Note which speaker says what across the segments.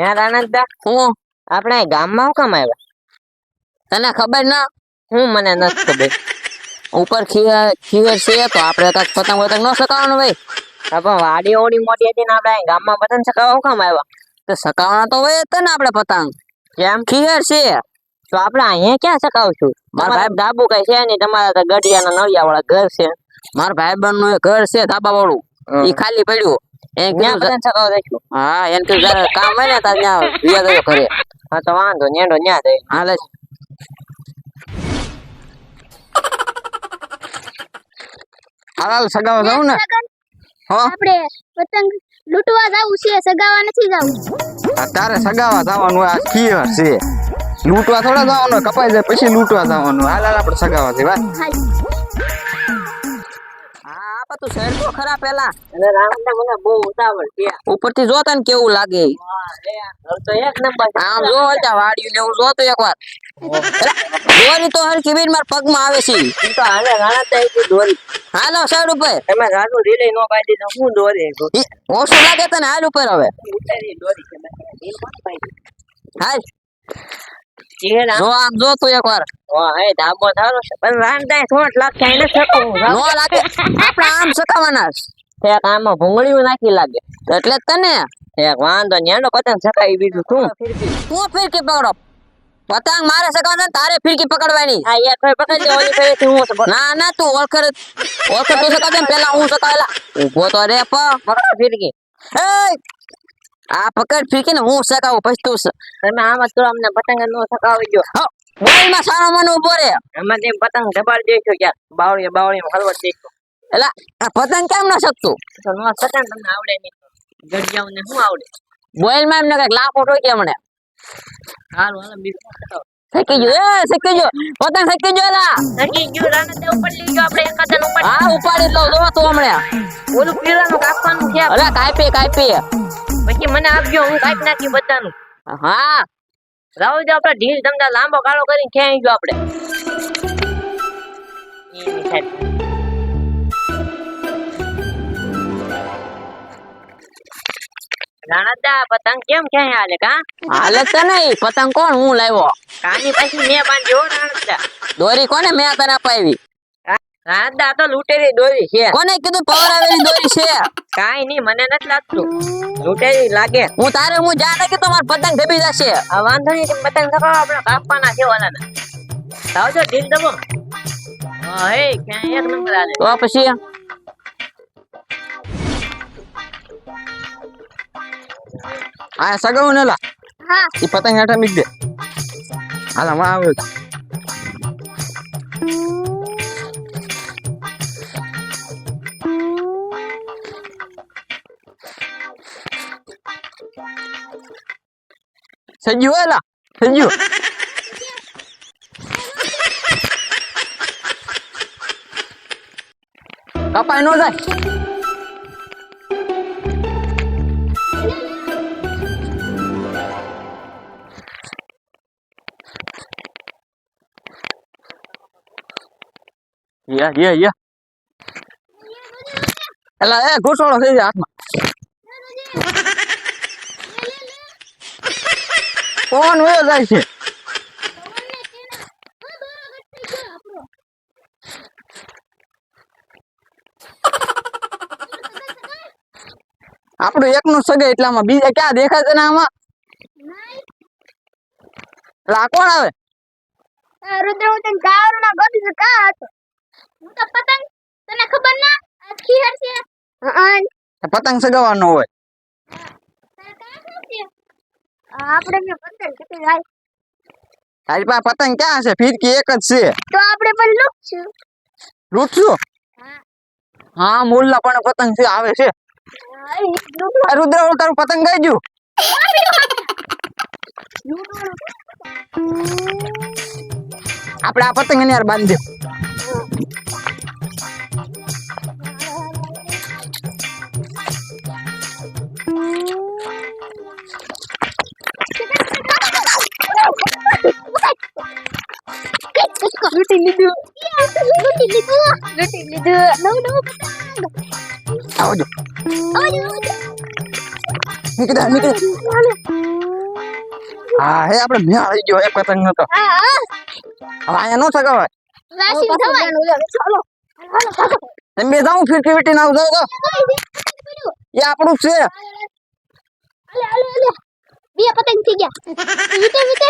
Speaker 1: યાર આનંદા,
Speaker 2: હું
Speaker 1: આપણે ગામમાં હું કામ આવ્યા?
Speaker 2: તને ખબર ના?
Speaker 1: હું મને નથી ખબર.
Speaker 2: ઉપર ખીર છે તો આપણે કાંઈક પતંગ ન સકાવવાનું ભાઈ.
Speaker 1: હા, પણ વાડી ઓડી મોટી હતી ને આપણે ગામમાં પતંગ ચગાવવા હું કામ આવ્યા?
Speaker 2: તો સકાવવાના તો હોય જ ને આપણે પતંગ.
Speaker 1: કેમ?
Speaker 2: ખીર છે
Speaker 1: તો આપણે અહીંયા ક્યાં ચગાવશું?
Speaker 2: મારા
Speaker 1: મારા ધાબુ કઈ છે નહીં, તમારા તો ગઢિયાના નળિયા વાળા ઘર છે.
Speaker 2: મારા ભાઈબંધ નું ઘર છે ધાબા વાળું, એ ખાલી પડ્યું.
Speaker 1: ત્યાં પતંગ ચગાવવા દઈશું.
Speaker 2: હા, એને કીધું જયારે કામ હોય ને ત્યારે ત્યાં વ્યા ગયો ઘરે.
Speaker 1: હા, તો વાંધો નેડો ન્યા દઈ.
Speaker 2: હાલે હાલ સગાવા જાઉં ને.
Speaker 3: આપણે પતંગ લૂંટવા જાવું છે, સગાવા નથી જાવું.
Speaker 2: તારે સગાવા જવાનું, આ ખીર છે. લૂંટવા થોડા જવાનું, કપાઈ જાય પછી લૂંટવા જવાનું. હાલ હાલ આપણે સગાવા છે વાત. હા આપા તું શહેર તો ખરા પેલા.
Speaker 1: અને રાણંદા મને બહુ ઉતાવળ છે.
Speaker 2: ઉપરથી જોતા ને કેવું લાગે.
Speaker 1: તો એક નંબર
Speaker 2: આમ જો હલતા વાડ્યું ને હું જોતો એકવાર. દોરી તો હરખી બીન માર પગમાં આવે છે.
Speaker 1: તો હાલે રાણંદા એક દોરી.
Speaker 2: હાલો સાઈડ ઉપર.
Speaker 1: તમે રાડું રીલે નો પાડી તો હું દોરી
Speaker 2: ઓછું લાગે તને, હાલ ઉપર હવે.
Speaker 1: ઉતારી દોરી છે ઢીલ કોણ પાડી?
Speaker 2: હાલ
Speaker 1: એ રામ
Speaker 2: જો આમ જો તું એકવાર.
Speaker 1: ઓ હે ધાબો થારો છે, પણ રાણંદા થોટ લાગે એને સકવું.
Speaker 2: નો લાગે આપણે આમ સકાવાના છે.
Speaker 1: એક આમાં ભૂંગળીયું નાખી લાગે.
Speaker 2: એટલે જ તને
Speaker 1: એક વાંધો ન્યાનો પતંગ સકાઈ બીજું શું?
Speaker 2: તું ફિરકી પકડો. પતંગ મારે સકાવવાના, તારે ફિરકી પકડવાની.
Speaker 1: આ એક ભાઈ પકડી લે, ઓલી ફેરેથી હું સકું.
Speaker 2: ના ના તું ઓળખર તું સકાવજે ને પેલા હું સકાવેલા. ઊભો તો રે
Speaker 1: પકડો ફિરકી.
Speaker 2: એ આ પકડ ફિરકી ને હું સકાવું પછી તું
Speaker 1: તમે આમાં તો અમને પતંગ નો સકાવી દો.
Speaker 2: બોલમાં સારો મને ઊભો રે.
Speaker 1: આમાં તેમ પતંગ દબાડી દઈશું ક્યાં બાવળી હલવા દઈશું.
Speaker 2: એટલે આ પતંગ કેમ ન શકતું?
Speaker 1: તો નો સકાય તમને આવડે નહીં. ગઢિયાઓને શું આવડે?
Speaker 2: બોલમાં એમને કઈક લાફો ઠોકી મને.
Speaker 1: હારું હાલો બીજું સકાવો.
Speaker 2: શકી ગયો શકી ગયો પતંગ શકી ગયો લા.
Speaker 1: સકી ગયું રાણંદા ઉપર લઈ ગયો આપણે એકાદન ઉપર.
Speaker 2: હા ઉપાડી લો જો તું હમણાં.
Speaker 1: ઓલું પીળાનું કાપવાનું છે.
Speaker 2: અરે કાપી
Speaker 1: પછી મને આપજો, હું કાપી નાખી બધાનું.
Speaker 2: હા
Speaker 1: રાવ જો આપણે ઢીલ તમને લાંબો કાળો કરીને ક્યાં ગયો આપણે. રાણંદા પતંગ કેમ ક્યાં હાલે કા?
Speaker 2: હાલે તો નહીં, પતંગ કોણ હું લાવ્યો?
Speaker 1: કાની પછી મેં બાંધ્યો રાણંદા.
Speaker 2: દોરી કોને મેં તને અપાવી?
Speaker 1: રાણંદા તો લૂંટેરી દોરી છે.
Speaker 2: કોને કીધું પવરાવેલી દોરી છે?
Speaker 1: કાઈ નહીં, મને નથી લાગતું લૂંટેરી લાગે.
Speaker 2: હું જાણે કે તમાર પતંગ દબી જશે.
Speaker 1: આ વાંધો નહીં, તમે પતંગ સકાવો, આપણે કાપવાના છે ઓલાના. આવજો ઢીલ દબો. હા હે ક્યાં એક નંબર આલે.
Speaker 2: તો પછી આ સગાવું ને લા.
Speaker 3: હા
Speaker 2: ઈ પતંગ હેઠા મીક દે. હાલા માં આવે. સજ્જુ એલા સજ્જુ. કપાઈ નો જાય. યા એલા એ ઘૂસોડો થઈ જાય હાથમાં. કોણ વયો જાય છે? આપણું એકનું સગે એટલામાં બીજા ક્યાં દેખાય છે ને આમાં? એટલે આ કોણ આવે?
Speaker 3: રુદ્ર હું તને ગાવરમાં ગોતી છે કા હતો. હું તો પતંગ તને ખબર ના આ ખીર છે.
Speaker 2: પતંગ સગાવવાનો હોય.
Speaker 3: આપણે મે પતંગ કીધી જાય.
Speaker 2: તારી પાસે પતંગ ક્યાં છે? ફિરકી એક જ છે.
Speaker 3: તો આપણે પણ લૂટશું.
Speaker 2: લૂટશું? હા મુલ્લા પણ પતંગ છે આવે છે. આ રુદ્ર ઓળ તારું પતંગ ગઈ ગયું. આપણે આ પતંગ ને યાર બાંધી દે.
Speaker 3: લૂટી લીધું. નવ
Speaker 2: આવજો.
Speaker 3: આવજો.
Speaker 2: નીકળ. હા હે આપણે મેળ આવી ગયો એક પતંગ નો તો
Speaker 3: હા હા
Speaker 2: હવે અહીંયા નો સગાવાય
Speaker 3: રાશિ થવાય ચાલો
Speaker 2: તમે બે જાઉં ફીરકી વીટી ના જાવ તો એ આપણું છે
Speaker 3: અલે અલે અલે બે પતંગ થઈ ગયા વીટે વીટે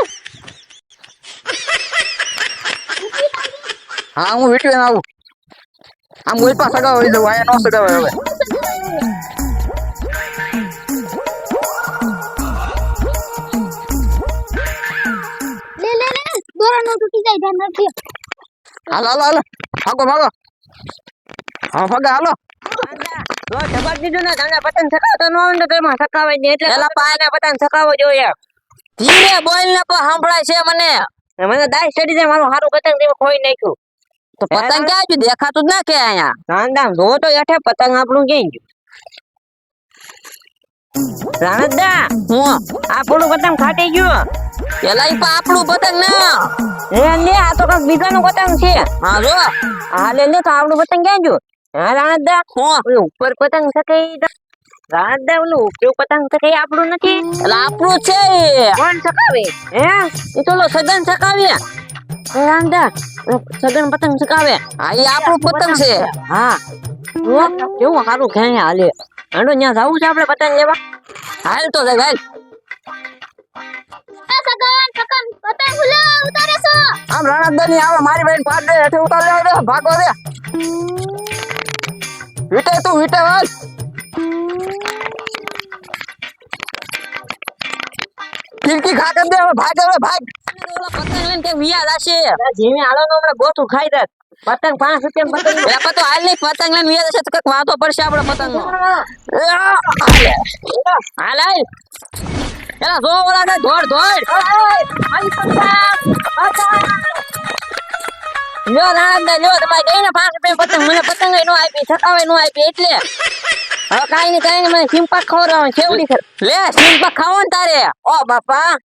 Speaker 2: હા હું વીટવી ના આવું આમ કોઈ પાસે સગાવાઈ દઉં અહીંયા નો સગાવાય હવે
Speaker 3: લે લે લે દોરા નો તૂટી જાય ધ્યાન રાખજો
Speaker 2: હાલો હાલો હાલો ભાગો ભાગો હા ભાગા હાલો
Speaker 1: તો જબર દીધું ને તમને પતંગ ચકાવતો ન આવે ને તો એમાં ચકાવાય નહીં એટલે
Speaker 2: એલા
Speaker 1: પાને પતંગ ચકાવવો જોઈએ
Speaker 2: ધીરે બોલ ને પણ સંભળાય છે મને
Speaker 1: મને દાઈ ચડી જાય મારું હારું પતંગ તેમાં ખોઈ નાખ્યું
Speaker 2: તો પતંગ ક્યાં ગયું દેખાતું જ ના કે અહીંયા
Speaker 1: રાંધામ જો તો હેઠે પતંગ આપણું ક્યાં ગયું રાણદા
Speaker 2: હું
Speaker 1: આપણું પતંગ ફાટી ગયું
Speaker 2: પેલા ઈ પણ આપણું પતંગ ના
Speaker 1: એ લે આ તો કઈક બીજાનું પતંગ છે
Speaker 2: હા જો
Speaker 1: હા લે તો આપણું પતંગ ક્યાં ગયું હા રાણદા
Speaker 2: હું
Speaker 1: ઓલું ઉપર પતંગ સકાઈ રાણદા ઓલું ઉપર પતંગ સકાઈ આપણું નથી
Speaker 2: એટલે આપણું છે ઈ.
Speaker 1: કોણ સકાવે હે
Speaker 2: ઈ તો ઓલો સગન સકાવીએ
Speaker 1: રાણદા સગન પતંગ સકાવે
Speaker 2: હા ઈ આપણું પતંગ છે
Speaker 1: હા જો કેવું સારું ક્યાં હાલે હાલો ત્યાં જવું છે આપણે પતંગ લેવા
Speaker 2: હાલ તો જાય હાલ
Speaker 3: આ સગન સગન પતંગ ભૂલો ઉતારે છો
Speaker 2: આમ રણદની આવે મારી બેન પાડ દે હેઠે ઉતાર લેવા દે ભાગો દે વીટે તું વીટે વાલ ફિરકી ખા કર દે હવે ભાગ પતંગ લઈને કે વિયા લાશે
Speaker 1: જીમે હાલો ને હમણાં ગોથું ખાઈ દે પતંગ 5 રૂપિયા પતંગ
Speaker 2: એ તો હાલ નહીં પતંગ લઈને વિયા જશે તો કઈક વાતો પડશે આપણે પતંગ હાલ હાલ એલા જો ઓલા ને દોડ દોડ લ્યો નાનંદા લ્યો તમારે ગઈ ને 5 રૂપિયા પતંગ મને પતંગ નો આપી થકાવે નો આપી એટલે
Speaker 1: હવે કાઈ નહીં મને સિંપાક ખવડાવવાનું છેવડી છે
Speaker 2: લે સિંપા ખાવો ને તારે ઓ બાપા